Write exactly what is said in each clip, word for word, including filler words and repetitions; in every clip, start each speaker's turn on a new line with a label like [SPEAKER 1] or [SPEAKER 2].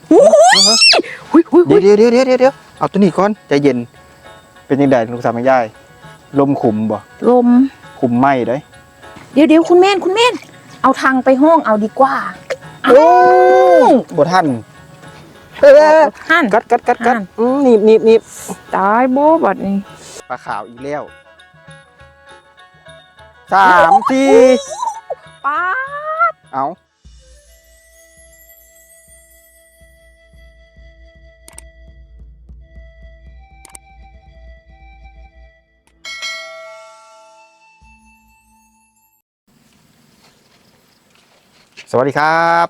[SPEAKER 1] เดี๋ยวเดี๋ยวเดี๋ยวเดี๋ยวเดี๋ยวเอาตัวนี้ก่อนใจเย็นเป็นยังไงลูกสาวแม่ยายลมขุมบ่
[SPEAKER 2] ลม
[SPEAKER 1] ขุมไหมได้
[SPEAKER 2] เดี๋ยวเดี๋ยวคุณแม่นคุณแม่นเอาทางไปห้องเอาดีกว่า
[SPEAKER 1] โอ้บ่ทันเออ
[SPEAKER 2] หัน
[SPEAKER 1] กัดกัดกัดกัดหนีบหนีบหนีบ
[SPEAKER 2] ตายโบ๊บัดนี้
[SPEAKER 1] ปลาขาวอีกแล้วสามสี่
[SPEAKER 2] ป้า
[SPEAKER 1] เอาสวัสดีครับ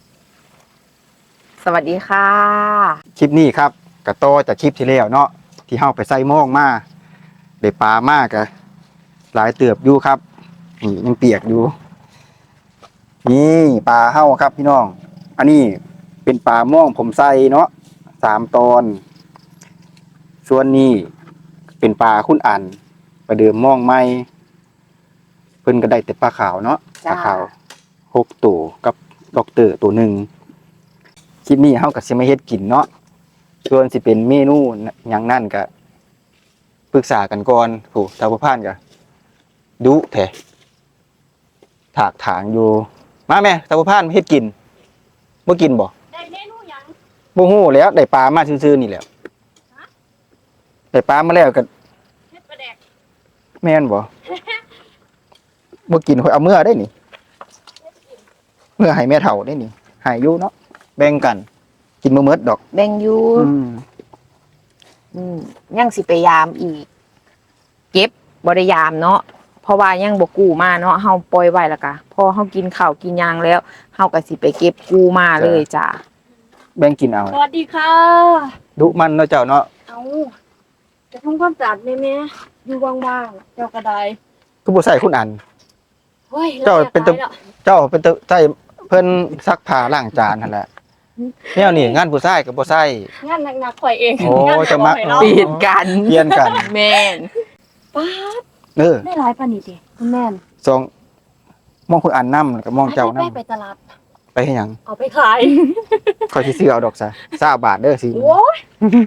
[SPEAKER 2] สวัสดีค่ะ
[SPEAKER 1] คลิปนี้ครับกระโตจากคลิปที่แล้วเนาะที่เฮาไปใส่หม้องมาได้ปลามากอะหลายเติบอยู่ครับนี่ยังเปียกอยู่นี่ปลาเฮาครับพี่น้องอันนี้เป็นปลาหม้องผมใส่เนาะสามตอนส่วนนี้เป็นปลาคุณอันประเดิมหม้องใหม่เพิ่นก็ได้แต่ปลาขาวเนาะปลาขาวหกตัวกับด็อกเตอร์ตัวหนึ่งคลิปนี้เฮาก็สิมาเฮ็ดกินเนาะส่วนสิเป็นเมนูหยังนั่นก็ปรึกษากันก่อนโหทางผู้ผ่านก็ดุแท้ถากถางอยู่มาแม่ทางผู้ผ่านเฮ็ดกินบ่กินบ่
[SPEAKER 3] ได้เมนูหยัง
[SPEAKER 1] บ่ฮู้แล้วได้ปลามาซื่อๆนี่แหละได้ปลามาแล้วก็
[SPEAKER 3] เฮ็ดปลาแดก
[SPEAKER 1] แม่นบ่บ่กินค่อยเอาเมื่อได้นี่เมื่อให้แม่เฒ่าได้นี่ให้อยู่เนาะแบ่งกันกินบ่หมดดอก
[SPEAKER 2] แบ่งอยู่
[SPEAKER 1] อืม
[SPEAKER 2] อืมยังสิไปยามอีกเก็บบ่ได้ยามเนาะเพราะว่ายังบ่กู้มาเนาะเฮาปล่อยไว้แล้วก็พอเฮากินข้าวกินหยังแล้วเฮาก็สิไปเก็บกู้มาเลยจ้ะ
[SPEAKER 1] แบ่งกินเอา
[SPEAKER 3] สวัสดีค่ะ
[SPEAKER 1] ดุมันเนาะเจ้าเนาะ
[SPEAKER 3] เอาจะทำความสะอาดแม่แม่อยู่ว่างๆเจ้าก็ได้
[SPEAKER 1] คือบ่ใส่คุณอัน
[SPEAKER 3] เฮ้ย
[SPEAKER 1] เจ้าเป็นตัวเจ้าเป็นตัวใส่เพิ่นซักผ้าล้างจานนั่นแหละแนวนี้งานผู้ชายก็บ่ใส่
[SPEAKER 3] งานหนักๆข่อยเอง
[SPEAKER 1] โอ้จะมัก
[SPEAKER 2] เปลี่ยนกัน
[SPEAKER 1] เปลี่ยนกัน
[SPEAKER 2] แม่น
[SPEAKER 3] ป๊าด
[SPEAKER 1] เออ
[SPEAKER 3] ได้หลายปานนี้ติคุณแม่น
[SPEAKER 1] สองมองคุณอันนำกับมองเจ้านำ
[SPEAKER 3] ไปไปตลาด
[SPEAKER 1] ไปเฮ็ดหยัง
[SPEAKER 3] เอาไปขาย
[SPEAKER 1] ขอยสิซื้อเอาดอกซะยี่สิบบาทเด้อสิ
[SPEAKER 3] โอ้ย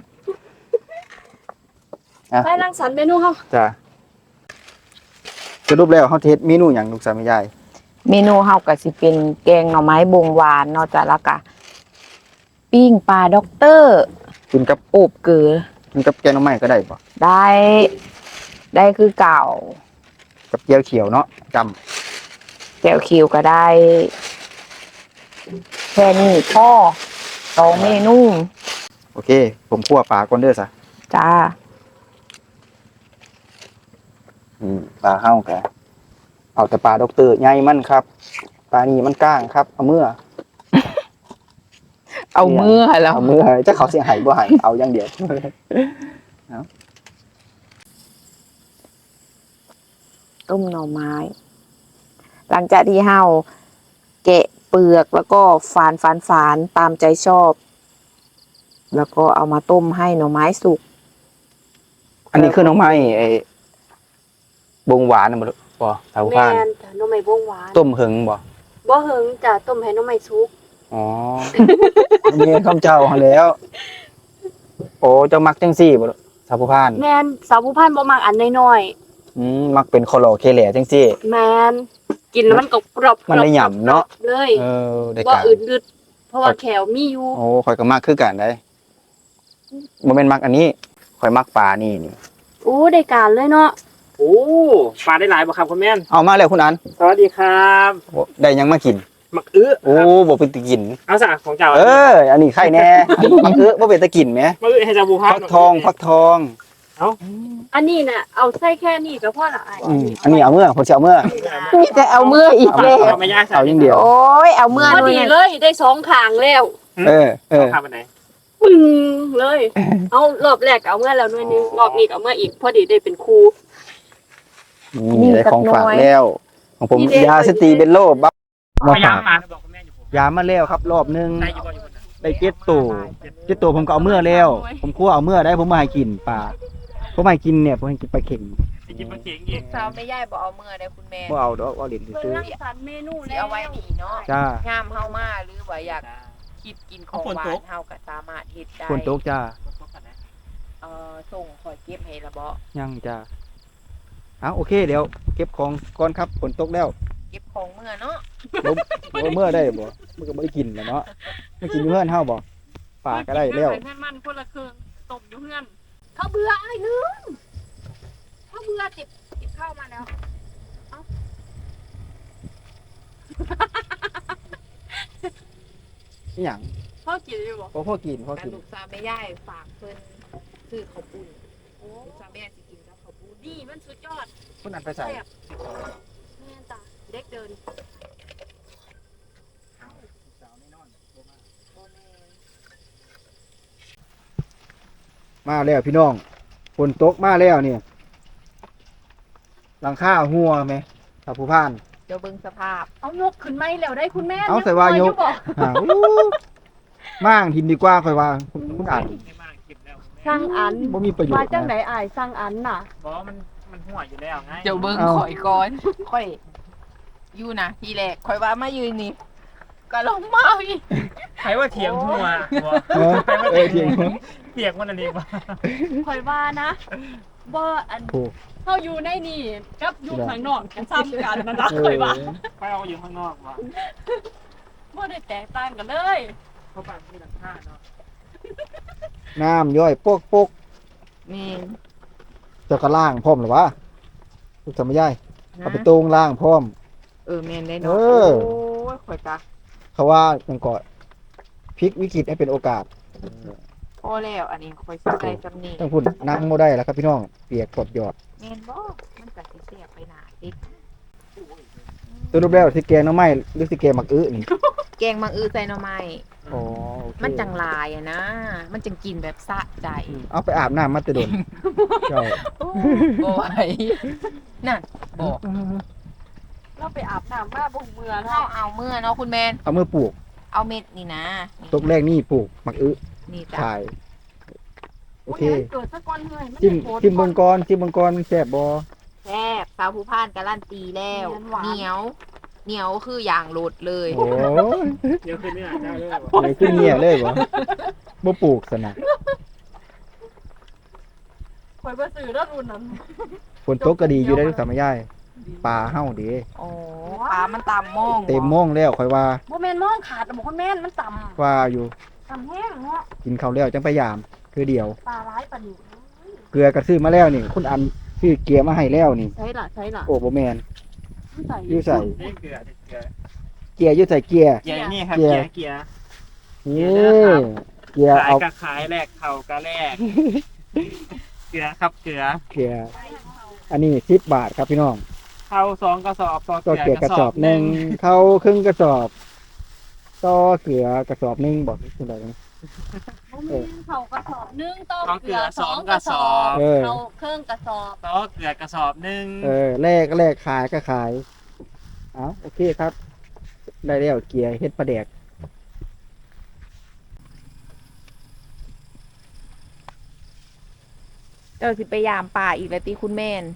[SPEAKER 3] ไปรังสรรค์เมนูเฮา
[SPEAKER 1] จ้ะสรุปแล้วเฮาเฮ็ดเมนูหยังลูกสาวแม่ยาย
[SPEAKER 2] เมนูเฮาก็สิเป็นแกงหน่อไม้บงหวานเนาะจ้ะแล้วก็ปิ้งปลาด็อกเตอร์
[SPEAKER 1] กินกับ
[SPEAKER 2] โอบเกลือ
[SPEAKER 1] กินกับแกงหน่อไม้ก็ได้บ่
[SPEAKER 2] ได้ได้คือเก่า
[SPEAKER 1] กับเจียวเขียวเนาะจำ
[SPEAKER 2] แจ่วคิวก็ได้แค่นี้พ่อสองเมนู
[SPEAKER 1] โอเคผมคั่วปลาก่อนเด้อซะ
[SPEAKER 2] จ้า
[SPEAKER 1] อืมปลาเฮาก็เอาแต่ปลาด็อกเตอร์ใหญ่มันครับปลานี่มันก้างครับเอามือ
[SPEAKER 2] เอามือแล้ว
[SPEAKER 1] เอามือจะเขาเสียหายบ่หายเอาอย่างเดียว
[SPEAKER 2] ต้มหน่อไม้หลังจากที่เฮาแกะเปลือกแล้วก็ฝานฝานฝานตามใจชอบแล้วก็เอามาต้มให้หน่อไม้สุก
[SPEAKER 1] อันนี้คือหน่อไม้ไอ้บงหวานน่ะบ่บ่ชาวบ้าน
[SPEAKER 3] แม่นจ้ะหน่อไม้บงหวาน
[SPEAKER 1] ต้มหึงบ่
[SPEAKER 3] บ่หึงจ้ะต้มให้หน่อไม้สุก
[SPEAKER 1] อ๋อเมียคำเจ้าหั่นแล้วโอ้เจ้ามักจังซี่บ่ชาวบ้าน
[SPEAKER 3] แม่นสาวผู้พันบ่มักอันน้อย
[SPEAKER 1] ๆอืมมักเป็นคอลอเคแหล่จังซี่
[SPEAKER 3] แม่นกินแล้วมันก็กรอบ
[SPEAKER 1] มันได้หย่ำเนาะ
[SPEAKER 3] เลย
[SPEAKER 1] เออได้
[SPEAKER 3] บ่อื่นดึดเพราะว่าแขวมีอยู่
[SPEAKER 1] โอ้ข่อยก็มักคือกันได้บ่แม่นมักอันนี้ข่อยมักปลานี่นี่
[SPEAKER 3] โอ้ได้การเลยเนาะ
[SPEAKER 4] โอ้ปลาได้หลายบ่ครับคุณแม่น
[SPEAKER 1] เอามาแล้วคุณอัน
[SPEAKER 4] สวัสดีครับ
[SPEAKER 1] ได้ยังมากิน
[SPEAKER 4] มักอื้อ
[SPEAKER 1] โอ้บ่เป็นตะกิน
[SPEAKER 4] เอาซะของเจ้า
[SPEAKER 1] เอออันนี้ไข่แน่มักอื้อบ่เป็นตะกินแหม
[SPEAKER 4] มักอื้อให้เจ้าบูพา
[SPEAKER 1] ฟักทองฟักทอง
[SPEAKER 4] เอ้า
[SPEAKER 3] อันนี้น่ะเอาใส่แค่นี้ก็พอละ
[SPEAKER 1] อืมอันนี้เอาเมื่อผมสิเอาเมื่อ
[SPEAKER 2] นี่จะเอาเมื่ออีกแล้ว
[SPEAKER 4] เอาไม่ยาก
[SPEAKER 1] เอาอย่างเดียว
[SPEAKER 2] โอ้ยเอาเมื่อ
[SPEAKER 3] พอดีเลยได้สองข้างแล้ว
[SPEAKER 1] เออเออ
[SPEAKER 4] ข้าวไปไหน
[SPEAKER 3] ปึ้งเลยเอารอบแรกเอาเมื่อแล้วหน่อยนึงรอบนี้เอาเมื่ออีกพอดีได้เป็นคู่
[SPEAKER 1] นี่ได้ของฝากแล้วของผมยาสตีเบลโลบัฟ
[SPEAKER 4] มาฝาก
[SPEAKER 1] ยามาแล้วครับรอบนึงได้เจ็ดตัวเจ็ดตัวผมก็เอาเมื่อแล้วผมคั่วเอาเมื่อได้ผมมาให้กินปลาผมให้กินเนี่ยผมให้กินปลาเข็ง
[SPEAKER 4] กินปลาเข็งอีก
[SPEAKER 2] สาวไม่ย่ายบ่เอาเมื่อได้คุณแม่
[SPEAKER 1] บ่เอาดอกเอาเหรียญซื้อ
[SPEAKER 3] สรรเมนูแล้ว
[SPEAKER 2] เอาไว้ดีเนาะ
[SPEAKER 1] จ้าง
[SPEAKER 2] ามเฮามาหรือว่าอยากคิดกินของหวานเฮาก็สามารถเฮ็ดได้
[SPEAKER 1] ฝนตกจ้า
[SPEAKER 4] ตกกันนะ
[SPEAKER 2] เอ่อส่งข่อยเก็บให้ละบ่
[SPEAKER 1] ยังจ้าเอาโอเคเดี๋ยวเก็บของก่อนครับฝนตกแล้ว
[SPEAKER 2] เก็บของเมื่อเนาะ
[SPEAKER 1] บ่บ่เมื่อได้บ่มันก็บ่ได้กินแหล้วเนาะมันกินอยู่เฮือนเฮาบ่ปลาก็ได้แล้ว
[SPEAKER 3] เพื่อนมันคนละครึ่งต้มอยู่เพื่อนเขาเบื่อไอ้นึงเขาเบื่อติดติดข้าวมาแล้ว
[SPEAKER 1] นี่หยัง
[SPEAKER 3] พ่อกินอยู่บ่
[SPEAKER 1] บ่พอกินพอ
[SPEAKER 2] แต่
[SPEAKER 1] กิน
[SPEAKER 2] ลูกสาวแม่ย่ายฝากเพิ่นซื้อข้าวปุ้นลูกสาวแม่สิกินกับข้าวปุ้น
[SPEAKER 3] นี่มันสุดยอด
[SPEAKER 1] คุณอันไปใส่
[SPEAKER 3] แซ่บแม่นจ้ะเด็กเดิน
[SPEAKER 1] มาแล้วพี่น้องฝนตกมาแล้วเนี่ยหลังคาหัวไหมถ้าผู้พาน
[SPEAKER 2] เดี๋ยวเบิ่งสภาพ
[SPEAKER 3] เอายกขึ้นไหมแล้วได้คุณแม่
[SPEAKER 1] เอาใส่วายก
[SPEAKER 3] บอก
[SPEAKER 1] อ่าอู้ม่างทิมดีกว่าค่อยว่าคุณคุณอ่าน
[SPEAKER 4] ไม่มากคลิปแล้ว
[SPEAKER 3] สร้างอัน
[SPEAKER 1] บ่มีประโยช
[SPEAKER 3] มา
[SPEAKER 1] น์
[SPEAKER 3] จังไหน
[SPEAKER 1] นะ
[SPEAKER 3] อายสร้างอันน่ะ
[SPEAKER 4] บอกว่ามันมันหัวอยู่แล้วไง
[SPEAKER 2] เดี๋ยวเบิ่ง
[SPEAKER 1] เอา
[SPEAKER 2] ข่อยก่อนข่อยอยู่นะทีแรกข่อยว่ามายืนนี่ก็ลงมาอีก
[SPEAKER 4] ใครว่าเถียงหัวหัว
[SPEAKER 1] เออเออเทียง
[SPEAKER 4] เถียงมันอะไรวะ
[SPEAKER 3] คอยว่านะบ่อัน
[SPEAKER 1] ถูก
[SPEAKER 3] เฮาอยู่ในนี่กับอยู่ข้างนอกกันซ้ำกันนะนะ
[SPEAKER 1] เอ
[SPEAKER 3] คอยว่า
[SPEAKER 1] อ
[SPEAKER 4] ใครเอาอยู่ข้างนอกวะ
[SPEAKER 3] บ่ได้แตกต่างกันเลย
[SPEAKER 4] เพราะปากมีหลังคาเนาะ
[SPEAKER 1] น้ำย่อยโปกโปก
[SPEAKER 2] แม่น
[SPEAKER 1] เจะก็ล่างพร้อมหรือวะลูกทำไม่ได้เอาไป
[SPEAKER 2] นะ
[SPEAKER 1] ตรงล่างพร้อม
[SPEAKER 2] เออแม่นได้
[SPEAKER 1] เอ
[SPEAKER 2] เนาะ
[SPEAKER 1] อ
[SPEAKER 2] โอ้ยข่อยกะ
[SPEAKER 1] เขาว่ามันก็พลิกวิกฤตให้เป็นโอกาส
[SPEAKER 2] พอแล้วอันนี้ข่อยสิใส่จำนี้
[SPEAKER 1] ต้องพูดนั่งโมได้แล้วครับพี่น้องเปียกกดหยอด
[SPEAKER 2] แม่นบ่มันก็สิแซ่บไปหน้าติด
[SPEAKER 1] ตัวรูปแล้วสิแกงหน้ำไม้หรือสิแกงหมักอื้อนี่
[SPEAKER 2] แกงมังอือใส่หน่อไม้
[SPEAKER 1] อ๋อโอเค
[SPEAKER 2] มันจังลายอะนะ มันจังกินแบบสะใจ
[SPEAKER 1] อืมเอาไปอาบน้ำมาแตะดนเจ้า
[SPEAKER 2] บ่ไหวนั่นบอก
[SPEAKER 3] เราไปอาบน้ำมาบ่เมื่อ
[SPEAKER 2] เฮา
[SPEAKER 3] เนาะ
[SPEAKER 2] เอาเมื่อเนาะคุณแมน
[SPEAKER 1] เอามือปลูก
[SPEAKER 2] เอาเม็ดนี่นะนี่
[SPEAKER 1] ตกแรกนี่ปลูกหมักอื้อ
[SPEAKER 2] นี่จ้ะ
[SPEAKER 1] ขายโอเค
[SPEAKER 3] ยเกิดซะก่อนเฮ้ยมัน
[SPEAKER 1] จิ้ม
[SPEAKER 3] ได้โพสต์
[SPEAKER 1] จิ้มเบงกรจิ้มเบงกรมันแซ่บบ่
[SPEAKER 2] แซ่บสาวผู้พานการันตีแล้ว
[SPEAKER 3] หวาน
[SPEAKER 2] เหนียว เหนียวคืออย่างโหลดเลย
[SPEAKER 1] โอ้ย
[SPEAKER 4] เดี๋ยวคืนนี้อาจจะเลิก
[SPEAKER 1] เลยขึ้นเนี่ยเลยบ่บ่ปลูกสนะ
[SPEAKER 3] ข่อยบ่ซื้อแล้วรุ่นนั้น
[SPEAKER 1] ฝนตกก็ดีอยู่ได้ทุกสามยายปลาเฮาเด้
[SPEAKER 2] โอ้ปลามันตามมอง
[SPEAKER 1] เต็มโม่งแล้วค่อยว่า
[SPEAKER 3] บ่แม่นมองขาดบ่คุณแม่นมันต่ำ
[SPEAKER 1] ว่าอยู่
[SPEAKER 3] ต่ำแห้งเนาะ
[SPEAKER 1] กินข้าวแล้วจังไปยาม คือเดียว
[SPEAKER 3] ปลาร้ายปานนี้
[SPEAKER 1] เกลือก็ซื้อมาแล้วนี่ คุณอันซื้อเกียร์มาให้แล้วนี่
[SPEAKER 3] ใช่ล่ะใช่ล่ะ
[SPEAKER 1] โอ้บ่แม่น
[SPEAKER 3] มันใส่
[SPEAKER 1] อยู่ใส่
[SPEAKER 4] นี่เกลือเกลือ
[SPEAKER 1] เกียร์อยู่ใส่เกียร์
[SPEAKER 4] เกลือนี่ครับ
[SPEAKER 1] เกลื
[SPEAKER 4] เก
[SPEAKER 1] อ
[SPEAKER 4] ลือเกลือ
[SPEAKER 1] นี่เกียร์
[SPEAKER 4] ขาย
[SPEAKER 1] เอา
[SPEAKER 4] ก็ขายแลกเข่าก็แลกเกลือครับเกลือ
[SPEAKER 1] เกียร์อันนี้สิบบาทครับพี่น้อง
[SPEAKER 4] เข้าสองกระสอบต่อ
[SPEAKER 1] ต่อ
[SPEAKER 4] เก
[SPEAKER 1] เกลื
[SPEAKER 4] ลื
[SPEAKER 1] อ
[SPEAKER 4] อก ก
[SPEAKER 1] ระ
[SPEAKER 4] ระ
[SPEAKER 1] ส
[SPEAKER 4] ส
[SPEAKER 1] อ
[SPEAKER 4] อ
[SPEAKER 1] บบ หนึ่ง
[SPEAKER 4] หนึ่ง
[SPEAKER 1] เข้าครึ่งกระสอบต่อเกลือกระสอบหนึ่งบอกคุณได้ไหม
[SPEAKER 3] บ่แม่นเขากระสอบหนึงต้ม
[SPEAKER 4] ต้อง
[SPEAKER 3] เก
[SPEAKER 4] เก
[SPEAKER 3] ลื
[SPEAKER 4] ลื
[SPEAKER 3] อ
[SPEAKER 4] อ
[SPEAKER 3] ส
[SPEAKER 4] ส
[SPEAKER 3] อ
[SPEAKER 4] อง ง
[SPEAKER 3] ก
[SPEAKER 4] ก
[SPEAKER 3] ระ
[SPEAKER 4] ระ
[SPEAKER 3] ส
[SPEAKER 4] ส
[SPEAKER 3] อ
[SPEAKER 4] อ
[SPEAKER 3] บบ
[SPEAKER 1] เออ
[SPEAKER 3] เขาเครื่องกระสอบ
[SPEAKER 4] ต่อเกลือกระสอบหนึ่ง
[SPEAKER 1] เออแลกแลกขายก็ขายเอาโอเคครับ ได้แล้วเกียร์เฮ็ดปลาแดก
[SPEAKER 2] เจ้าสิไปยามป่าอีกแล้วติคุณแม่น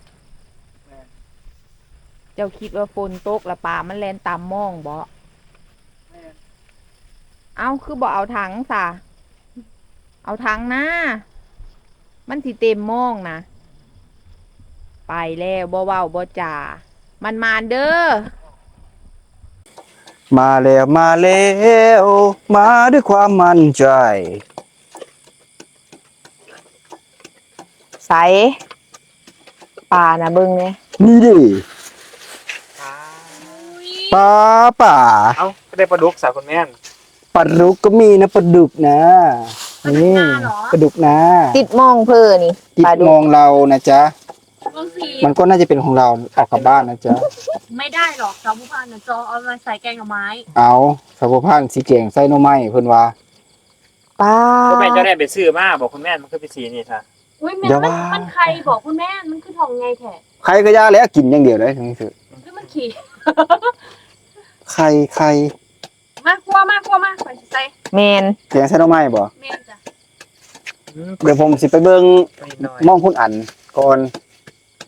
[SPEAKER 2] เจ้าคิดว่าฝนตกแล้วป่ามันแล่นตามมองบ่เอ้าคือบ่เอาถังซะเอาถังนะมันสิเต็มมองนะไปแล้วบ่เว้าบ่จ่ามันมานเด้อ
[SPEAKER 1] มาแล้วมาแล้วมาด้วยความมั่นใจ
[SPEAKER 2] ใสป่านะเบิ่งเนี่ย
[SPEAKER 1] นี่ดิปลาป่า
[SPEAKER 4] เอ้าก็ได้ปลาดุกสาวคนแม่น
[SPEAKER 1] ปลาดุกก็มีนะปลาดุกนะนี่ปลาดุกนะ
[SPEAKER 2] ติดมองเพื่อนี่
[SPEAKER 1] จิต
[SPEAKER 2] ปลาดุ
[SPEAKER 1] ม
[SPEAKER 2] ก
[SPEAKER 1] องเรานะจ๊ะ
[SPEAKER 3] บางที
[SPEAKER 1] มันก็น่าจะเป็นของเราออกกลับบ้านนะจ๊ะ
[SPEAKER 3] ไม่ได้หรอกจอผู้พันน่ะจอเอามาใส่แกงกับไม้
[SPEAKER 1] เอาสาวพานสีเก่งใส่หน่อไม้เพิ่นว่า
[SPEAKER 2] ป้า
[SPEAKER 4] ก็แม่เจ้าได้ไปซื้อมาบอกคุณแม่มันคือไปสีนี่ค่ะ
[SPEAKER 3] อุ้ยแม่
[SPEAKER 1] เดี๋ยว
[SPEAKER 3] มัน
[SPEAKER 1] ว่ามั
[SPEAKER 3] มันใครบอกคุณแม่มันคือทองไงแท้
[SPEAKER 1] ใครก็ย่าแล้วกินอย่างเดียวเลยทั้งนี้คือ
[SPEAKER 3] คือมันขี่
[SPEAKER 1] ใครใคร
[SPEAKER 3] มากลัวมากลัวมากไปใส่
[SPEAKER 2] แมน
[SPEAKER 1] แกงใส่หน่อไม้บ่
[SPEAKER 3] แม่จ้ะ
[SPEAKER 1] เดี๋ยวผมสิไปเบิ่ง
[SPEAKER 4] นิดหน่อย
[SPEAKER 1] มองคุณอันก่อน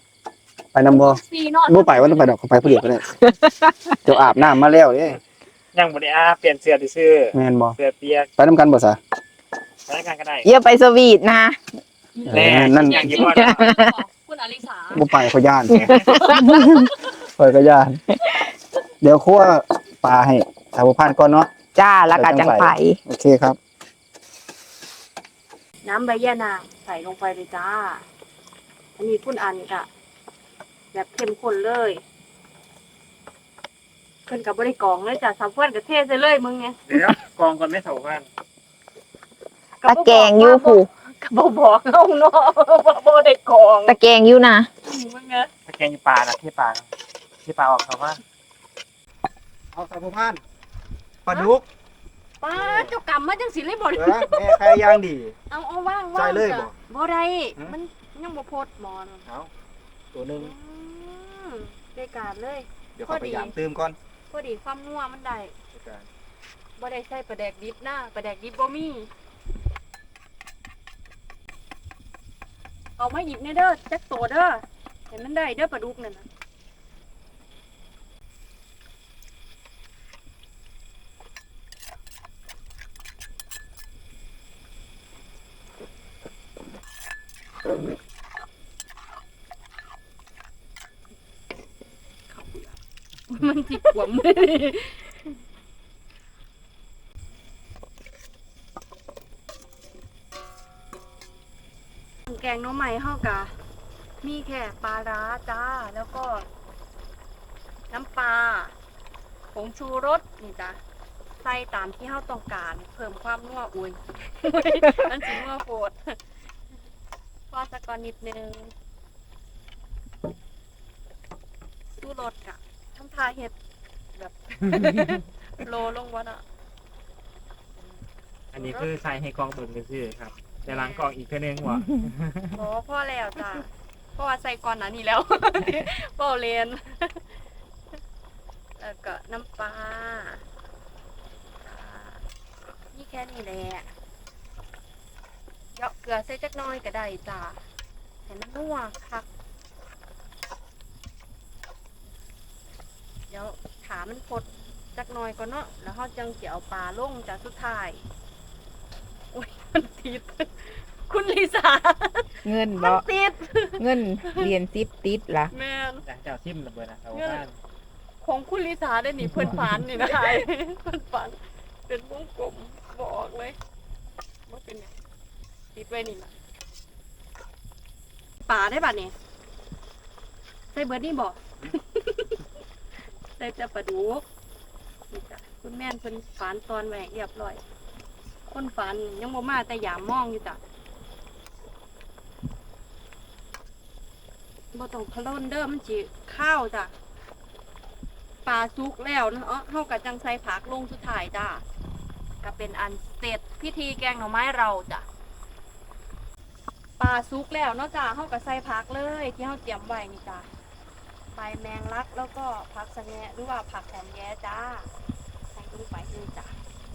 [SPEAKER 1] ไปนำบ่
[SPEAKER 3] ซีนอน
[SPEAKER 1] บ่ไปว่าต้องไปดอกเขาไปผู้เดียวก็ได้เดี๋ยวอาบน้ำมาแล้วเด้
[SPEAKER 2] ย
[SPEAKER 4] ยังบ่ได้อาเปลี่ยนเสื้อซื่อ
[SPEAKER 1] แม่นบ่
[SPEAKER 4] เสื้อเปียก
[SPEAKER 1] ไปนํกันบ่ซะ
[SPEAKER 4] พนักงานก็ได้
[SPEAKER 2] อย่าไปสวีทนะ
[SPEAKER 1] เอ
[SPEAKER 4] แน่
[SPEAKER 1] อนั่น
[SPEAKER 4] อย่างที่ว่า
[SPEAKER 3] คุณอลิสา
[SPEAKER 1] บ่ไปเขาย่านไปก็ย่าน เดี๋ยวคั่วปลาให้สาวพันก่อนเนาะ
[SPEAKER 2] จ้าแล้วก็จังไผ
[SPEAKER 1] โอเคครับ
[SPEAKER 3] น้ำใบยะนางใส่ลงไปเลยจ้า อันนี้คุณอันค่ะแบบเข้มข้นเลยเพิ่นกับบริกรองเลยจ้ะสาวเพื่อนกับเทใส่เลยมึงไง
[SPEAKER 4] เดี๋ยวกองก่อนไม่เท่ากัน
[SPEAKER 2] ตะแกงอยู่ผู้
[SPEAKER 3] ก็บ่บอกเอาเนาะบ่บ่ได้กรอง
[SPEAKER 2] ตะแกงอยู่นะ
[SPEAKER 3] มึงไง
[SPEAKER 4] ตะแกรงอยู่ปลานะที่ปลาที่ปลาออกเขาว่า
[SPEAKER 1] เอาสาวพันปลาดุก
[SPEAKER 3] ป้าเจ้ากรรมมาจังสิเลยบ่
[SPEAKER 1] เอ
[SPEAKER 3] ได้
[SPEAKER 1] อแม่ใครย่างดี
[SPEAKER 3] เอาเอาว่าง
[SPEAKER 1] ใส่
[SPEAKER 3] ว่าง
[SPEAKER 1] เลยบ่
[SPEAKER 3] จ้ะบ่ได้
[SPEAKER 1] ฮะ
[SPEAKER 3] มันยังบ่โพดหมอน
[SPEAKER 1] เอาตัวหนึง
[SPEAKER 3] อืมได้การเลย
[SPEAKER 1] เดี๋ยวเขาพยายามตื้มก่อน
[SPEAKER 3] พอดีความนัวมันได้บ่ได้ใส่ปลาแดกดิบนะปลาแดกดิบบ่มีเอามาหยิบในเด้อจักโตเด้อเห็นมันได้เด้อปลาดุกนั่นน่ะ มันจิบขวมเลยแกงหน้องใหม่เฮากะมีแค่ปลาร้าจ้า แล้วก็ น้ำปลาผงชูรสนี่จ้ะใส่ตามที่เฮาต้องการ เพิ่มความนัวอุ่น อันสินัวโพดพอสักก่อนนิดนึงสู้รสกะทำทาเห็ดแบบ โลลงวะน่ะ
[SPEAKER 4] อันนี้คือใส่ให้กองเบิ่งซื่อๆครับแต่ล้างกองอีกเท่านึงว่ะ
[SPEAKER 3] โอ้พ่อแล้วจ้ะเพราะว่าใส่ก่อนหนะนี่แล้ว เปาเลนแล้วก็น้ำปลาอ่านี่แค่นี้แหละเยาะเกลือใส่จักหน้อยก็ได้จ้ะเห็นมันนัวคักเดี๋ยวถามันพดจักหน้อยก่อนเนาะแล้วเขาจังเกี่ยวปลาลงจากสุดท้ายโอ้ยมันติด คุณลิซ่า
[SPEAKER 2] เงิน
[SPEAKER 3] มั
[SPEAKER 2] บ่
[SPEAKER 3] นติด
[SPEAKER 2] เงินเหรียญสิบติดล่ะ
[SPEAKER 3] แม่น
[SPEAKER 4] หลังจากซิมระเบิดนะเอาบ้าน
[SPEAKER 3] ของคุณลิซ่าได้หนีเพื่อนฝันนี่นะไอ้เพื่อนฝันเป็นวงกลมบอกเลยว่าเป็นไงติดไว้นี่นะป่าได้ป่ะเนี่ยใส่เบิร์ดนี่บอก ใส่แต่ปลาดุกนี่จ้ะคุณแม่นเพิ่นฝันตอนแหวกเรียบร้อย คนฝันยังบ่มาแต่ยามมองอยู่จ้ะบ่ต้องพะโล้นเด้อมันจิข้าวจ้ะปลาซุกแล้วเนาะเฮาก็จังใส่ผักลงสุดท้ายจ้ะก็เป็นอันเสร็จพิธีแกงหน่อไม้เราจ้ะปลาซุกแล้วเนาะจ้ะเฮาก็ใส่ผักเลยที่เฮาเตรียมไว้นี่จ้ะใบแมงลักแล้วก็ผักสะแงะหรือว่าผักหอมแย้จ้าใส่ลงไปเลยจ้ะ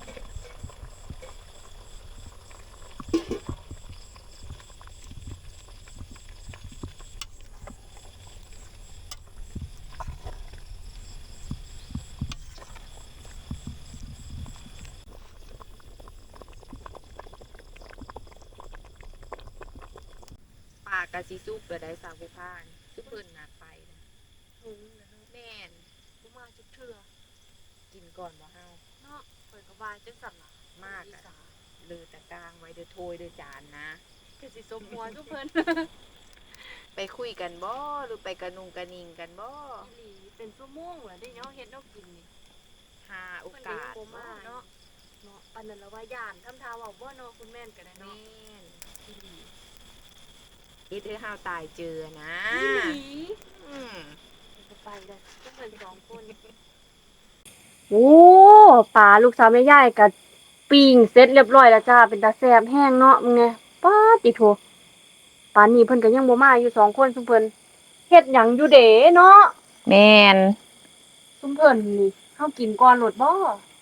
[SPEAKER 2] ปากกะสิซุกก็ได้สาวผู้พานซุเพิ่นน่ะไปนะ
[SPEAKER 3] อืมแล้วเนาะ
[SPEAKER 2] แม่น
[SPEAKER 3] กูมาจุกเถื่อ
[SPEAKER 2] กินก่อนบ่เฮา
[SPEAKER 3] เนาะเปิดกระบาลจังสั่นล่ะ
[SPEAKER 2] มาก
[SPEAKER 3] อี
[SPEAKER 2] อะ
[SPEAKER 3] สา
[SPEAKER 2] เลือตะกลางไว้เด้อโทยเด้อจานนะ
[SPEAKER 3] คือสิสมหัวทุกเพิ่น
[SPEAKER 2] ไปคุยกันบ่หรือไปกระนุงกระนิงกันบ่
[SPEAKER 3] อีหลีเป็นชั่วโมงเหรอได้เนาะเฮ็ดเนาะกินนี่
[SPEAKER 2] หาโอกาส
[SPEAKER 3] เพิ่นก็ยังบ่มาเนาะเนาะปานนั้นละว่าย่านทำทาเว้าบ่เนาะคุณแม่นก็ได้
[SPEAKER 2] แม่
[SPEAKER 3] เนาะ
[SPEAKER 2] น
[SPEAKER 3] อีหลี
[SPEAKER 2] คิดให้เฮาตายเจอนะ
[SPEAKER 3] อีหลี
[SPEAKER 2] อืม
[SPEAKER 3] จะไปเลยทุกเพิ่นสองคนโอ้ปลาลูกสาวแม่ยายก็ปิ้งเสร็จเรียบร้อยแล้วจ้าเป็นตาแซ่บแห้งเนาะมึงไงป๊าดติโถปานนี้เพิ่นก็ยังบ่มาอยู่สองคนซุมเพิ่นเฮ็ดหยังอยู่เด้เนาะ
[SPEAKER 2] แม่น
[SPEAKER 3] ซุมเพิ่นนี่เฮากินก่อนโลดบ่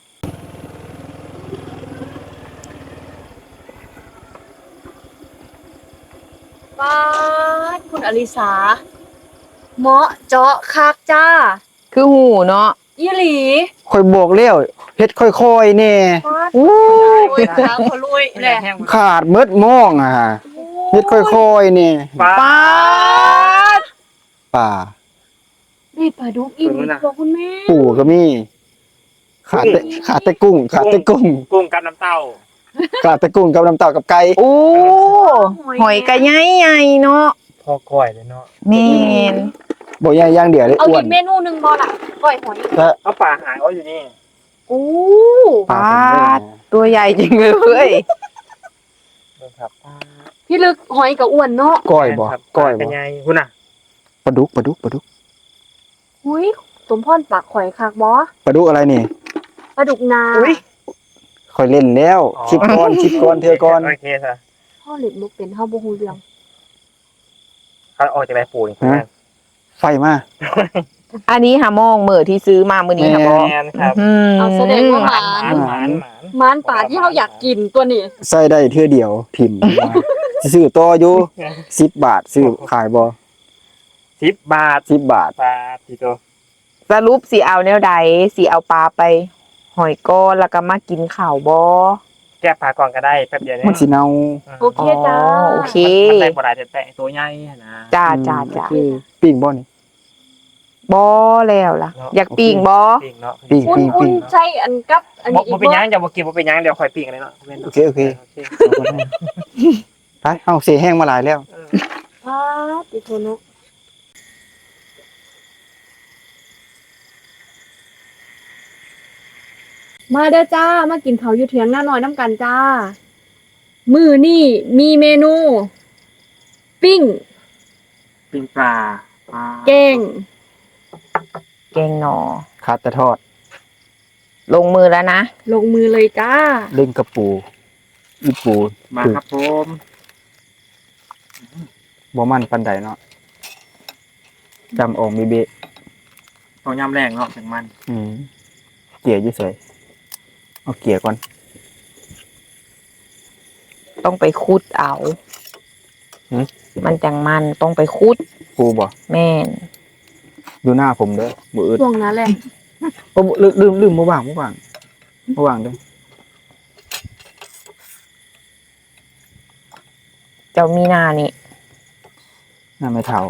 [SPEAKER 3] ปาดคุณอลิสาเหมาะเจาะคักจ้า
[SPEAKER 2] คือหูเนาะ
[SPEAKER 3] อีหลี
[SPEAKER 1] ข่อยบอกแล้วเฮ็ดฮ็ดค่อยๆแน่
[SPEAKER 2] อู้
[SPEAKER 3] โอ้ยขาพลุยแหละ
[SPEAKER 1] ขาดเบิดมองอ่ะเฮ็ดค่อยๆแน่
[SPEAKER 4] ปลา
[SPEAKER 2] ปาด
[SPEAKER 1] ป่า
[SPEAKER 3] นี่ปลาดุกอีกตัวคุณแม่
[SPEAKER 1] ปูก็มีขาดแต่ขาดแต่กุ้งขาดแต่กุ้ง
[SPEAKER 4] กุ้งกับน้ำเต้า
[SPEAKER 1] ขาดแต่กุ้งกับน้ำเต้ากับไก่
[SPEAKER 2] อู้หอยกระใหญ่ๆเนาะ
[SPEAKER 4] พอก้อยเลยเนาะ
[SPEAKER 2] แม่น
[SPEAKER 1] บ่ใหญ่อย่างเดียวเลย
[SPEAKER 3] เอา
[SPEAKER 1] อ้ว
[SPEAKER 3] อี
[SPEAKER 1] น
[SPEAKER 3] กเมนูหนึ่งบอล่ะก้อยหอย
[SPEAKER 1] ถ้า
[SPEAKER 4] เอาปลาหางเอาอยู่นี่
[SPEAKER 3] โอ้
[SPEAKER 1] ปลา
[SPEAKER 2] ตัวใหญ่จริงเลย
[SPEAKER 4] ดูครับปลา
[SPEAKER 3] พี่ลึกหอยกับอ้วนเนาะ
[SPEAKER 1] ก้อยบ่
[SPEAKER 4] ครับ
[SPEAKER 1] ก้อย
[SPEAKER 4] เป็
[SPEAKER 1] บ่
[SPEAKER 4] นไงคุณน่ะ
[SPEAKER 1] ปลาดุกปลาดุกปลาดุก
[SPEAKER 3] หุยสมพรปากข่อยคักบอ
[SPEAKER 1] ปลาดุกอะไรนี่
[SPEAKER 3] ปลาดุกนา
[SPEAKER 1] ค่อยเล่นแล้วคลิปก่อนคลิปก่อนเทื่อก่อน
[SPEAKER 4] โอเคค่ะ
[SPEAKER 3] พ่อเหล็กมุกเป็นเฮาบ่ฮู้เรื่อง
[SPEAKER 4] เขาออกจากใบปูนี่
[SPEAKER 1] ฮะ ไฟมา
[SPEAKER 2] อันนี้หามองมือที่ซื้อมามื้อนี้ค่ะบ่
[SPEAKER 4] แมนครับ
[SPEAKER 2] อืม
[SPEAKER 3] เอาแสดงว่าหมาน
[SPEAKER 4] หมานหมาน
[SPEAKER 3] หมานป่าที่เฮาอยากกินตัวนี้
[SPEAKER 1] ใส่ได้เทื่อเดียวพิมพ์มาซื้อต่ออยู่สิบบาทซื้อขายบ่
[SPEAKER 4] สิบบาท
[SPEAKER 1] สิบบาท
[SPEAKER 4] ปลาทีโต
[SPEAKER 2] สรุปสิเอาแนวใดสิเอาปลาไป หอยก้อนแล้วก็มากินข้าวบ่
[SPEAKER 4] แก้ปลาก่อนก็ได้แป๊บเดียว
[SPEAKER 1] มันสิเน่า
[SPEAKER 3] โอเคจ้า
[SPEAKER 2] อ๋อโอเค
[SPEAKER 4] มันได้บ่ได้แต่แต่ตัวใหญ่นะ
[SPEAKER 2] จ้าจ้าจ้า
[SPEAKER 1] คือปิ้งบ่นี่
[SPEAKER 2] บ่แล้วล่ะ อยากปิ้งบ่
[SPEAKER 4] ปิ้งเนาะ
[SPEAKER 1] ปิ้ง
[SPEAKER 3] อุ่นอุ่นใช่อันกับอัน
[SPEAKER 4] บ่
[SPEAKER 3] นี้อี
[SPEAKER 4] บ่
[SPEAKER 3] ก
[SPEAKER 4] เป็นหยัง
[SPEAKER 3] บ่
[SPEAKER 4] เดี๋ยวบ่กินบ่เป็นหยังเดี๋ยวค่อยปิ้งกันเลยเนาะ
[SPEAKER 1] โอเคโอเคไปเอาเสียแห้งมาหลายแล้ว
[SPEAKER 3] พาติโทโนะมาเด้อจ้า มากินเขาวอยู่เถียงหน้าน้อยน้ำกันจ้า มือนี่มีเมนู ปิ้ง
[SPEAKER 4] ปิ้งปลาปลา
[SPEAKER 3] แกง
[SPEAKER 2] แกงหนอ
[SPEAKER 1] ขาดแต่ทอด
[SPEAKER 2] ลงมือแล้วนะ
[SPEAKER 3] ลงมือเลยจ้า
[SPEAKER 1] เล่นกระปูอีปู
[SPEAKER 4] มาครับผม
[SPEAKER 1] บ่มันปานใดเนาะจำออกมีเบะ
[SPEAKER 4] ต้องยำแรงเนาะถึงมัน
[SPEAKER 1] อืมเกลี่ยอยู่เสยเอาเกลี่ยก่อน
[SPEAKER 2] ต้องไปคุดเอา
[SPEAKER 1] หืม
[SPEAKER 2] มันจังมันต้องไปคุด
[SPEAKER 1] ปูบ่
[SPEAKER 2] แม่น
[SPEAKER 1] ดูหน้าผมเด้อบ่อึด
[SPEAKER 3] ช่วงนั้นแหละ
[SPEAKER 1] โอ้ลืมลืมลืมบ่ว่างบ่ว่างบ่ว่างเด้อ
[SPEAKER 2] เจ้ามีนานี่
[SPEAKER 1] หน้าไม่เท่า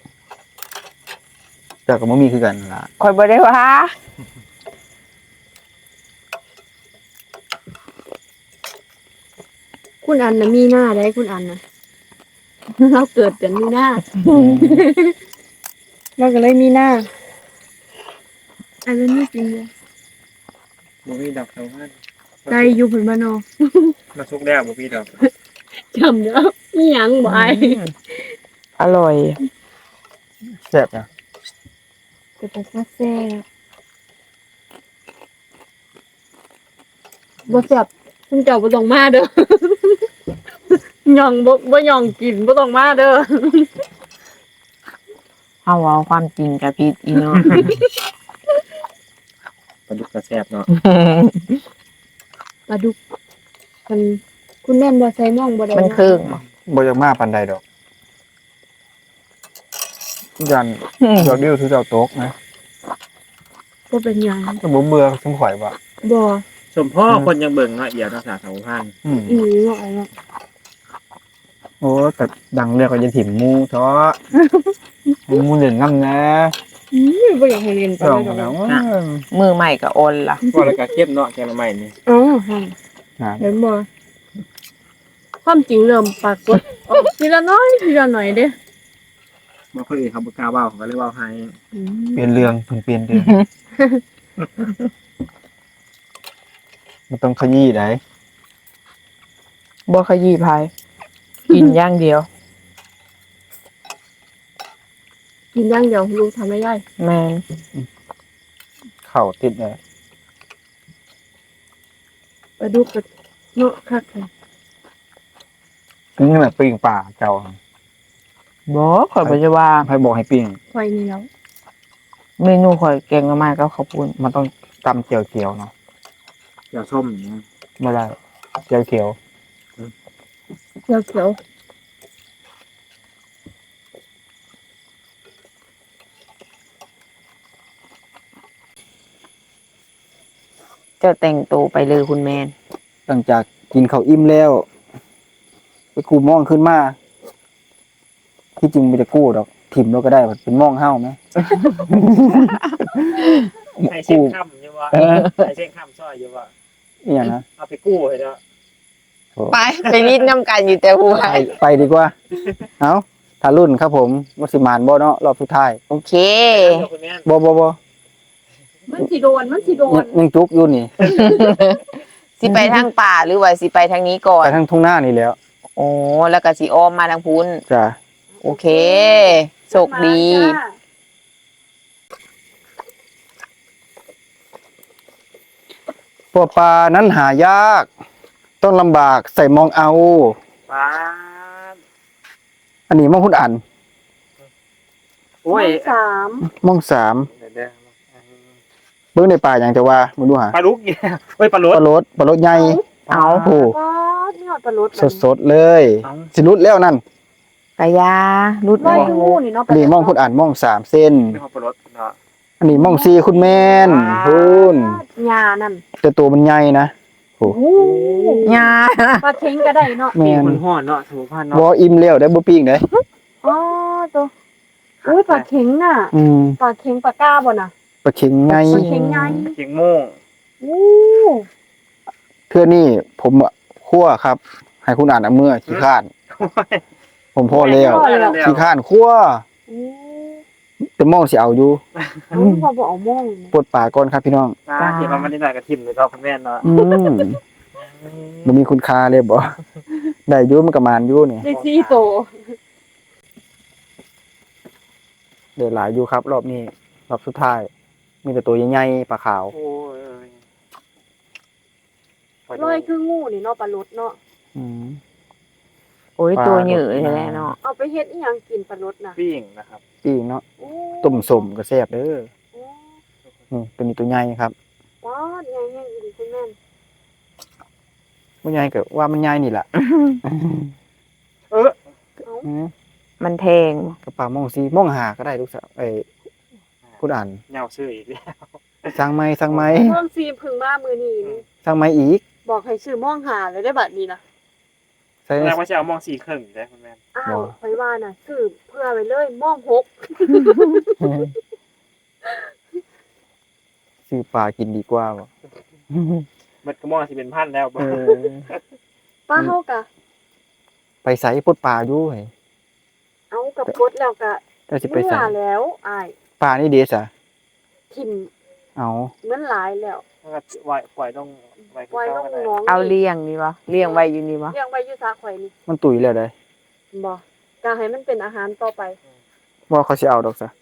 [SPEAKER 1] เจ้าก็บ่มีคือกันล่ะ
[SPEAKER 2] คอยบ่ได้ว่า
[SPEAKER 3] คุณอันนะมีหน้าได้คุณอันนะ เราเกิดกันมีหน้า เราก็เลยมีหน้า อันนี้จริงเลย
[SPEAKER 4] บ่มีดอกเท่านั้น
[SPEAKER 3] ใจอยู่ผลมานอ
[SPEAKER 4] มาสุกแล้วบ่มีดอก
[SPEAKER 3] จำเด้อนี่ยังบ่ไอ
[SPEAKER 2] อร่อย
[SPEAKER 1] แซ่บนะ
[SPEAKER 3] จะเป็นแซ่บบ่แซ่บคุณเจ้าบ่ต้องมาเด้อ ย่องบ่บ่ย่องกินบ่ต้องมาเด้อ
[SPEAKER 2] เอาเอาความจริงกับพี่อีเนาะ
[SPEAKER 4] ปลาดุกกระแซ่บเนาะ
[SPEAKER 3] ปลาดุกมันคุณแม่นบ่ใส่น่องบ่ได้
[SPEAKER 2] มัน
[SPEAKER 3] นะ
[SPEAKER 2] ครึ่งบ่
[SPEAKER 1] บ่อยากมาปานใดดอกยันดอกเดียวถือเจ้าโต๊กนะ
[SPEAKER 3] บ่เป็นหยัง
[SPEAKER 1] ก็บ่เบื่อสมข่อยบ่
[SPEAKER 3] บ่
[SPEAKER 4] สมพ่อคนยังเบิ่งเนาะเอียวภาษาสาวพัน
[SPEAKER 1] อืม
[SPEAKER 3] อีหลีเนาะไอ้เนาะ
[SPEAKER 1] โอ้แต่ดังเรียกว่าจะถิ่มหมูเถาะให้หมูเล่นน้ำนะ
[SPEAKER 3] อือบ่อยากให้เรียนไป
[SPEAKER 1] ลอง
[SPEAKER 3] แล้ว
[SPEAKER 1] แล้ว
[SPEAKER 2] มือใหม่กับออนล่ะ
[SPEAKER 4] ว่าแล้วก็เข้มเนาะแกงละไม้นี่
[SPEAKER 3] อ๋อค่ะเห็นบ่ความจริงเริ่มปรากฏออกทีละน้อยทีละหน่อยเด้
[SPEAKER 4] บางคนอื่นเขาบ่กล้าเว้าเขาก็เลยเว้าให้
[SPEAKER 3] อืม
[SPEAKER 1] เปลี่ยนเรื่องเพิ่นเปลี่ยนเรื่องมันต้องขยี้ได้
[SPEAKER 2] บ่ขยี้พาย กินอย่างเดียว
[SPEAKER 3] กินอย่างเดียวลูกทำไม่ได้
[SPEAKER 2] แม่น
[SPEAKER 1] เข่าติดเลย
[SPEAKER 3] ปลาดุกกับเนาะคักเลย
[SPEAKER 1] นี่แหละปิ้งป่าเจ้า
[SPEAKER 2] บ่ข่อยบ่จะว่า
[SPEAKER 1] ให้บอกให้ปิ้ง
[SPEAKER 3] ควายนี่แล้ว
[SPEAKER 2] เมนูข่อยแกงหน่อไม้กับข้าวปุ้น
[SPEAKER 1] มันต้องตำเจียวเขียวเนาะ
[SPEAKER 4] เดี๋ยวส้มอย่างเงี้ย
[SPEAKER 1] ไม่ได้เจียวเขียว
[SPEAKER 3] เขียวเขียว
[SPEAKER 2] เจ้าแต่งตัวไปเลยคุณแมน
[SPEAKER 1] หลังจากกินข้าวอิ่มแล้วไปกู้มองขึ้นมาที่จริงไม่ได้กู้ดอกถิ่มเราก็ได้เป็นมองเฮ้าไหม
[SPEAKER 4] ให้เช็คค่ำอยู่ว่า
[SPEAKER 1] เออ
[SPEAKER 4] ให้เช็คค่ำช่อยอยู่ว่า
[SPEAKER 1] อหย่างนะ
[SPEAKER 4] เอาไปกู้ให้เด้อ
[SPEAKER 1] โอ้
[SPEAKER 2] ไปไปรีดน้ำกันอยู่แต่หัว
[SPEAKER 1] ไปไปดีกว่า เอาทารุ่นครับผมวัสิมานบ่เนาะรอบสุดท้าย
[SPEAKER 2] โอเค
[SPEAKER 4] เดี๋ยวคุณแม่
[SPEAKER 1] บ่บ่บ่
[SPEAKER 3] มันสิโดนมันสิโด
[SPEAKER 1] ยั
[SPEAKER 3] น
[SPEAKER 1] งยังจุกอยู่นี่
[SPEAKER 2] สิไปทางป่าหรือว่าสิไปทางนี้ก่อ
[SPEAKER 1] ไป
[SPEAKER 2] น
[SPEAKER 1] ทางทุ่งหน้านี่แล้ว
[SPEAKER 2] โอ้แล้วก็สิอ้อมมาทางพุ้น
[SPEAKER 1] จ้ะ
[SPEAKER 2] โอเคโชคดี
[SPEAKER 3] มาจ้า
[SPEAKER 1] พวกปลานั้นหายาก ต้องลำบากใส่มองเอา
[SPEAKER 4] ป้าด
[SPEAKER 1] อันนี้มองคุณอัน
[SPEAKER 4] โอ้ย
[SPEAKER 3] สาม
[SPEAKER 1] มองสาม
[SPEAKER 4] เดี๋ยวเดี๋ยว
[SPEAKER 1] เบิ่งในป่าอย่างจะว่ามึงดูหา
[SPEAKER 4] ปลาลุกเนี่ยเฮ้ยปลาล
[SPEAKER 1] ป
[SPEAKER 4] ด
[SPEAKER 1] ลารสปลารสใหญ่
[SPEAKER 2] เอา
[SPEAKER 1] โอ้
[SPEAKER 3] ก็นี่หอดปลาลด
[SPEAKER 1] สดสดๆเลย
[SPEAKER 4] เอา
[SPEAKER 1] สิรุดแล้วนั่น
[SPEAKER 2] กะยารุด
[SPEAKER 3] ร้อย
[SPEAKER 2] โ
[SPEAKER 3] งูนี่เนาะ
[SPEAKER 1] อันนี้มองคุณอันมองสามเส้น
[SPEAKER 4] ไม่พอปลาลดเนาะ
[SPEAKER 1] อันนี้มองสี่คุณแม่นคุณ
[SPEAKER 3] ยานั่น
[SPEAKER 1] แต่ตัวมันใหญ่นะโอ้
[SPEAKER 3] โอ้โห
[SPEAKER 2] ยา
[SPEAKER 3] ปลาเค็งก็ได้เนาะ
[SPEAKER 1] แม่
[SPEAKER 4] ปีก
[SPEAKER 1] น
[SPEAKER 4] มันห่อนเนาะถูกพัน
[SPEAKER 1] บ่
[SPEAKER 4] เนาะ
[SPEAKER 1] อิ่มแล้วได้บ่ปิ้งได้
[SPEAKER 3] อ๋อตัวอุ้ยปลาเค็งน่ะ
[SPEAKER 1] อืม
[SPEAKER 3] ปลาเค็งปลาก้าบ่น่ะ
[SPEAKER 1] ปลาเข็งไง
[SPEAKER 3] ปลาเค็งไง
[SPEAKER 4] เขียงโม่ง
[SPEAKER 3] โอ้
[SPEAKER 1] เพื่อนี่ผมอะคั่วครับ ให้คุณอ่านเอามือขี้ข้าน ผมพอแล้ว
[SPEAKER 4] แล้ว
[SPEAKER 1] ขี้ข้านคั่ว
[SPEAKER 3] โอ้
[SPEAKER 1] แต่มองสิเอาอยู่
[SPEAKER 3] เอาพอบ่เอาม่วง
[SPEAKER 1] ปวดปากก่อนครับพี่น้อง
[SPEAKER 4] ป้าเขียนมามันนิดหน่อยกับทิมเลยเนาะคุณแม่เนาะ
[SPEAKER 1] อืมมันมีคุณค่าเลยบ่ ได้อยู่มันก็มานอยู่นี่
[SPEAKER 3] ได้สี่โต
[SPEAKER 1] ได้หลายอยู่ครับ รอบนี้รอบสุดท้าย มีแต่ตัวใหญ่ๆปลาขาว
[SPEAKER 4] โอ้ย
[SPEAKER 3] ร้อยคืองูนี่เนาะปลาลดเนาะ
[SPEAKER 1] อืม
[SPEAKER 2] โอ้ยตัวเหยื่อแท้ๆเนาะ
[SPEAKER 3] เอาไปเฮ็ดอีหยังกินปลาลดน่ะ
[SPEAKER 4] ปิ้งนะครับ
[SPEAKER 1] อีกเนาะ
[SPEAKER 3] โอ้
[SPEAKER 1] ต้มสมก็แซ่บเด้อ
[SPEAKER 3] โอ้
[SPEAKER 1] นี่ตัวนี้ตัวใหญ่ครับ
[SPEAKER 3] ป้าดใหญ่แห้งอีหลีคุณแม่น
[SPEAKER 1] บ่ใหญ่ก็ว่ามันใหญ่นี่ล่ะ
[SPEAKER 4] เออ
[SPEAKER 1] อืม
[SPEAKER 2] มันแทง
[SPEAKER 1] กระป๋ามองซีมองหาก็ได้ลูกสาวเอ้ยคุณอ่าน
[SPEAKER 4] เหงาซื้ออีกแล้ว
[SPEAKER 1] สั่งไหมสั่งไหม
[SPEAKER 3] ม่วงซีเพึ่งมามื้อนี้นี่
[SPEAKER 1] สั่งไหมอีก
[SPEAKER 3] บอกให้ซื้อม่วงหาเลยได้บัดนี้นะ
[SPEAKER 1] ใส่
[SPEAKER 4] แสดงว่าจะเอามองสี่ครึ่งได้คุณแม่
[SPEAKER 3] อ้าวไว้ว่าน่ะซื้อเพื่อไว้เลยม่วงหก
[SPEAKER 1] ซื้อปลากินดีกว่าบ่
[SPEAKER 4] มันก็มองสิเป็นพันแล้วบ่
[SPEAKER 1] เออ
[SPEAKER 3] ป้าเฮากะ
[SPEAKER 1] ไปใส่ปลดปลาอยู่เฮ้ย
[SPEAKER 3] เอากับกดแล้วกะ
[SPEAKER 1] ก็สิไป
[SPEAKER 3] เมื่
[SPEAKER 1] ใส่
[SPEAKER 3] อแล้วอ้าย
[SPEAKER 1] ปลานี่เดสอ่ะ
[SPEAKER 3] ทิ่ม
[SPEAKER 1] เอา
[SPEAKER 3] เงินหลายแล้ว
[SPEAKER 4] ถ้าปล่อยปล่อยต้องปล่อย
[SPEAKER 3] ปล่อย
[SPEAKER 4] เข้า
[SPEAKER 3] น้อง
[SPEAKER 4] กันได้
[SPEAKER 3] น้อง
[SPEAKER 2] เอาเลี้ยงนี่วะเลี้ยงไว้อยู่นี่วะ
[SPEAKER 3] เลี้ยงไว้อยู่ซาข่อยนี่
[SPEAKER 1] มันตุยแล้วได้
[SPEAKER 3] บ่กะให้มันเป็นอาหารต่อไป
[SPEAKER 1] ว่าเขาสิเอาดอกซะ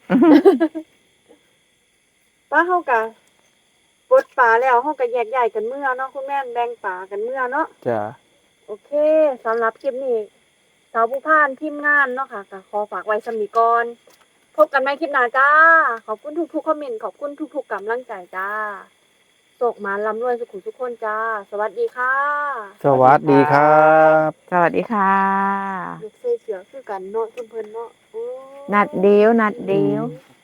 [SPEAKER 3] ป้าเฮากะกดปลาแล้วเฮาก็แยกย้ายกันเมื่อเนาะคุณแม่นแบ่งปลากันเมื่อเนาะ
[SPEAKER 1] จ้ะ
[SPEAKER 3] โอเคสำหรับคลิปนี้สาวผู้พานทีมงานเนาะค่ะก็ขอฝากไว้สำนีก่อนพบกันใหม่คลิปหน้าจ้า ขอบคุณทุกๆคอมเมนต์ขอบคุณทุกๆกำลังใจจ้าโศกหมาลำรวยสุขุมทุกคนจ้า สวัสดีค่ะ
[SPEAKER 1] สวัสดีครับ
[SPEAKER 2] สวัสดีค่ะ
[SPEAKER 3] เด็กใส่เสือคือกันเนาะเพิ่นๆเนาะโอ้
[SPEAKER 2] นัดเดียวนัดเดียว
[SPEAKER 1] อืม